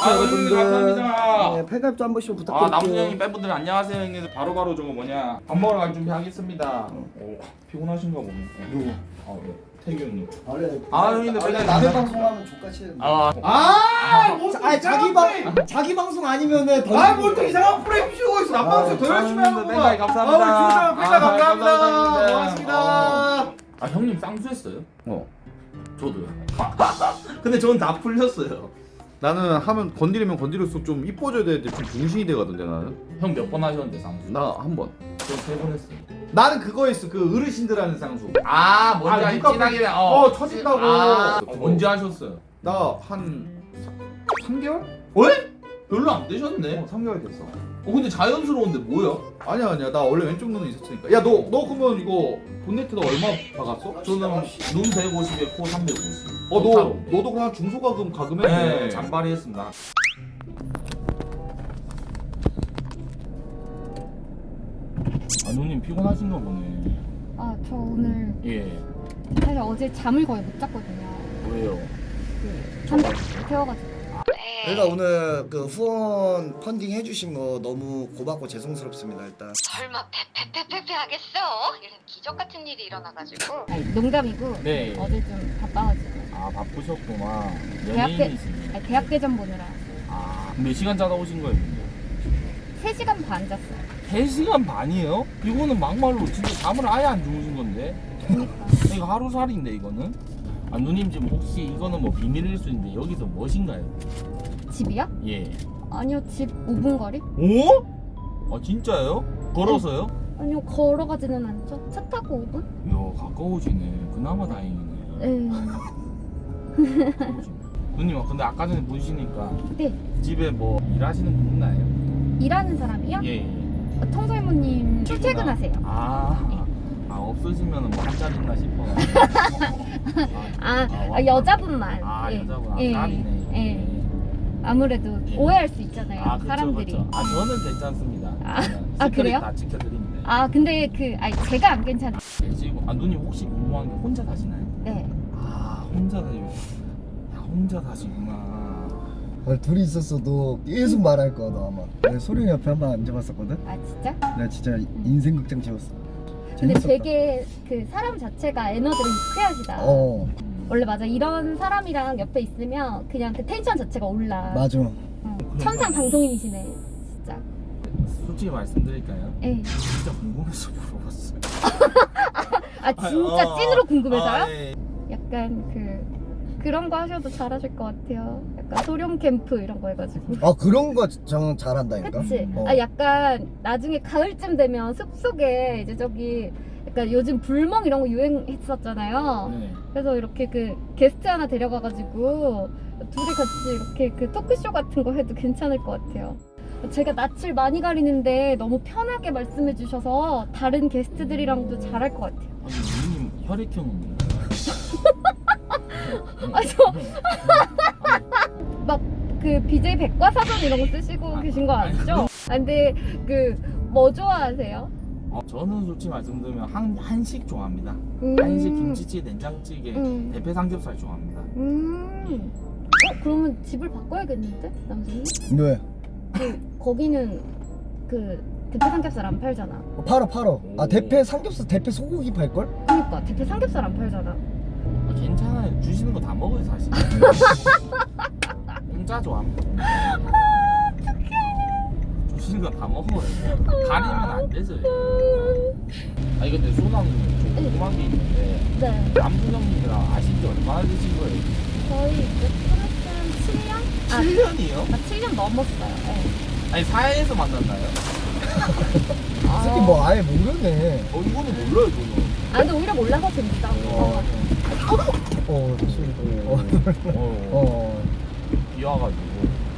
좋겠어요, 여러분들. 감사합니다. 네, 팬가입도 한 번씩 부탁드릴게요. 남순 형님 팬분들 안녕하세요 형님. 바로바로 저거 뭐냐 밥 먹으러 갈 준비하겠습니다. 오, 피곤하신가 보네. 누구? 태규 형님. 원래 형님들 원래 팬가입 남의 감사- 방송하면 족같이 해야 돼. 자기 방송 아니면은 뭘또 이상한 프레임 씌우고 있어. 나 방송 더 열심히 하는 거야. 팬가입 감사합니다. 감사합니다. 감사합니다. 고맙습니다. 형님 쌍수했어요? 저도요. 근데 저는 다 풀렸어요. 나는 하면 건드리면 건드릴수록 좀 이뻐져야 되는데 좀 중심이 돼가던데 나는. 형 몇 번 하셨는데 쌍수? 나 한 번. 저 3번 했어요. 나는 그거 했어. 그 어르신들 하는 쌍수. 뭔지 아, 누가 진하게 터진다고. 언제 하셨어요? 나 한 3개월? 왜? 별로 안 되셨네. 3개월 됐어. 근데 자연스러운데 뭐야? 아니야. 나 원래 왼쪽 눈은 있었으니까. 야, 너 그러면 이거 본네트도 얼마 박았어? 저는 눈 150에 코 350. 너도 그냥 중소가금 가금했네. 네, 잔바리 했습니다. 누님 피곤하신가 보네. 아, 저 오늘 예. 사실 어제 잠을 거의 못 잤거든요. 왜요? 잠도 태워가지고. 저희가 오늘 그 후원 펀딩 해주신 거 너무 고맙고 죄송스럽습니다. 일단 설마 페페페페페 하겠어? 이런 기적 같은 일이 일어나가지고. 아니, 농담이고 네. 어제 좀 바빠가지고. 바쁘셨구나. 아니, 대학대전 보느라 몇 시간 자다 오신 거예요? 3시간 반 잤어요. 3시간 반이에요? 이거는 막말로 진짜 잠을 아예 안 주무신 건데? 그러니까. 이거 하루살인데 이거는? 누님 지금 혹시 이거는 뭐 비밀일 수 있는데 여기서 뭐신가요? 집이요? 예. 아니요, 집 5분 거리? 오? 진짜요? 걸어서요? 아니요, 걸어가지는 않죠. 차 타고 5분? 이야 가까우시네. 그나마 다행이네. 네. 가까우시네. 누님 근데 아까 전에 보시니까 네. 집에 뭐 일하시는 분 있나요? 일하는 사람이요? 예. 청소이모님 출퇴근하세요. 없으시면 뭐 한자리 있나 싶어. 여자분만. 예. 여자분. 예. 딸이네. 예. 아무래도 예. 오해할 수 있잖아요. 그쵸, 사람들이. 그쵸. 저는 괜찮습니다. 아, 그래요? 다 지켜드립니다. 근데 제가 안 괜찮아요. 지금 누님 혹시 궁금한 게 혼자 사시나요? 네. 혼자 사요. 혼자 사시구나. 둘이 있었어도 계속 말할 거야 너 아마. 내가 소룡이 옆에 한 번 앉아봤었거든. 아, 진짜? 내가 진짜 인생 극장 찍었어. 근데 재밌었다. 되게 사람 자체가 에너지가 유쾌하시다. 원래 맞아. 이런 사람이랑 옆에 있으면 그냥 그 텐션 자체가 올라. 맞아. 천상 방송인이시네. 진짜. 솔직히 말씀드릴까요? 예. 진짜 궁금해서 물어봤어요. 진짜 찐으로 궁금해서요? 예. 약간 그런 거 하셔도 잘하실 것 같아요. 약간 소룡 캠프 이런 거 해가지고. 그런 거 저는 잘한다니까. 그치? 약간 나중에 가을쯤 되면 숲속에 이제 저기 약간 요즘 불멍 이런 거 유행했었잖아요. 네. 그래서 이렇게 게스트 하나 데려가가지고 둘이 같이 이렇게 토크쇼 같은 거 해도 괜찮을 것 같아요. 제가 낯을 많이 가리는데 너무 편하게 말씀해 주셔서 다른 게스트들이랑도 잘할 것 같아요. 누님 혈액형은 뭔가요? 막 BJ 백과사전 이런 거 쓰시고 계신 거 아니죠? 근데 뭐 좋아하세요? 저는 솔직히 말씀드리면 한식 좋아합니다. 음. 한식 김치찌개, 된장찌개, 대패 삼겹살 좋아합니다. 그러면 집을 바꿔야겠는데? 남순이? 왜? 거기는 대패 삼겹살 안 팔잖아. 팔어. 대패 삼겹살 대패 소고기 팔걸? 그러니까 대패 삼겹살 안 팔잖아. 괜찮아요. 주시는 거 다 먹어요 사실. 혼자 좋아합니다. 주시는 거 다 먹어요. 가리면 안 되죠. 근데 소나무님 좀 궁금한 게 있는데 네. 남순 형님이랑 아신 지 얼마나 되신 거예요? 저희 이제 한 7년? 7년이요? 7년 넘었어요. 네. 사회에서 만났나요? 이 새끼 뭐 아예 모르네. 이거는 몰라요 저는. 근데 오히려 몰라서 재밌다. 비 와가지고.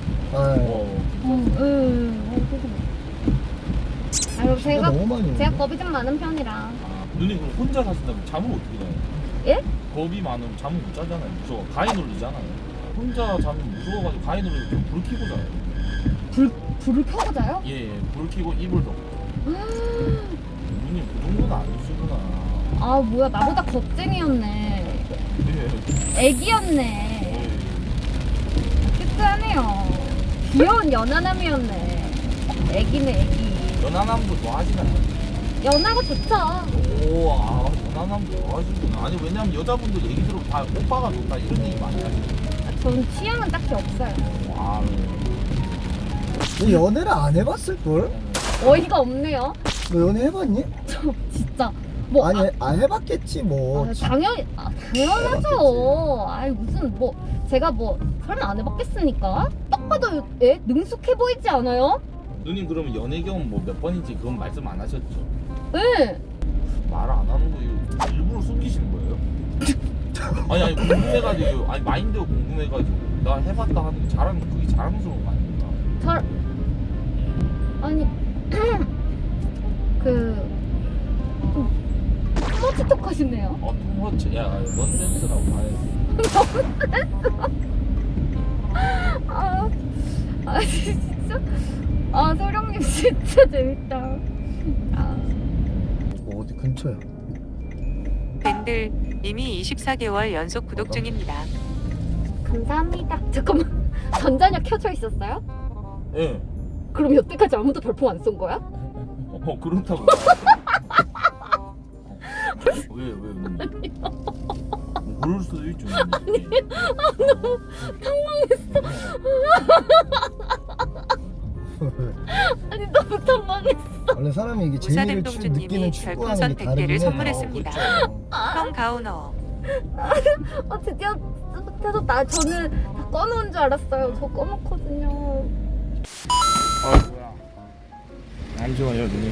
제가 너무 많이 오네. 겁이 좀 많은 편이라. 누님 그럼 혼자 사신다면 잠을 어떻게 자요? 예? 겁이 많으면 잠을 못 자잖아요. 무서워. 가위 눌리잖아요. 혼자 자면 무서워가지고 가위 눌리면 불 켜고 자요. 불을 켜고 자요? 예, 불 켜고 이불 덮고. 누님 그 정도는 아니시구나. 뭐야, 나보다 겁쟁이였네. 예. 애기였네. 큐트하네요. 귀여운 연하남이었네. 애기네 애기. 연하남도 좋아하시나요? 연하가 좋죠. 오, 연하남도 좋아하시구나. 아니 왜냐면 여자분들 얘기 들으면 다 오빠가 좋다 이런 얘기 많이 하시거든요. 전 취향은 딱히 없어요. 아, 너 연애를 안 해봤을걸? 어이가 없네요. 너 연애 해봤니? 저 진짜 뭐 아니 안 해봤겠지 뭐. 당연하죠. 아이 무슨 뭐 제가 뭐 설마 안 해봤겠습니까? 딱 봐도 능숙해 보이지 않아요? 누님 그러면 연애 경험 뭐 몇 번인지 그건 말씀 안 하셨죠? 네. 말 안 하는 거 일부러 숨기시는 거예요? 아니 궁금해가지고 아니 마인드가 궁금해가지고 나 해봤다 하는 게 그게 자랑스러운 거 아닙니까? 잘 아니 투머치톡 하시네요. 투머치 야 넌센스라고 말해. 아 진짜 소령님 진짜 재밌다. 어디 근처야? 밴들 이미 24개월 연속 구독 중입니다. 감사합니다. 잠깐만 전자녀 켜져 있었어요? 예. 그럼 여태까지 아무도 별풍 안 쏜 거야? 그렇다고. 왜 누님? 뭐 그럴 수도 있죠. 너무 당황했어. 아니 너무 당황했어. 원래 사람이 이게 재미를 느끼는 우사댐동주님이 추구하는 별풍선 게 100개를 다르긴 해. 선물했습니다. 형 가오너. 드디어 나 저는 다 꺼놓은 줄 알았어요. 저 꺼놓거든요. 뭐야? 잠시만요, 누님.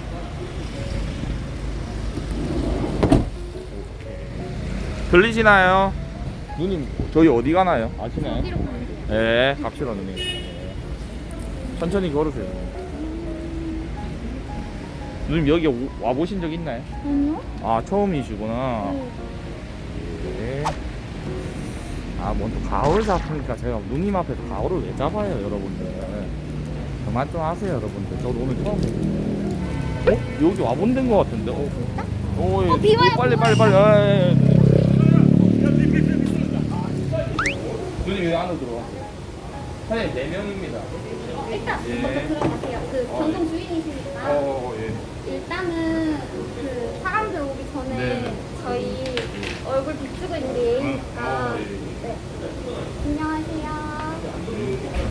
들리시나요? 누님, 저희 어디 가나요? 아시나요? 어디로 가는지. 네, 갑시다, 누님. 천천히 걸으세요. 누님, 여기 와보신 적 있나요? 아니요? 아, 처음이시구나. 네. 뭔 또 가오를 잡으니까 제가 누님 앞에서 가오를 왜 잡아요, 여러분들. 그만 좀 하세요, 여러분들. 저도 오늘 처음. 여기 와본 데인 것 같은데. 진짜? 예. 비 와요, 빨리. 비 와요. 누님 여기 안으로 들어가세요. 사장님 4명입니다. 일단 예. 먼저 들어가세요. 그 전동 주인이시니까. 예. 일단은 그 사람들 오기 전에 네. 저희 얼굴 비추고 있는 게 예의니까. 예. 네. 안녕하세요.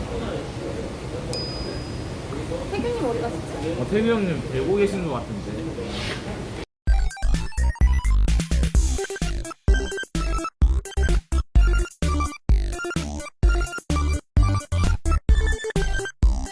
태균님 어디 가시죠? 태규 형님 되고 계신 것 같은데.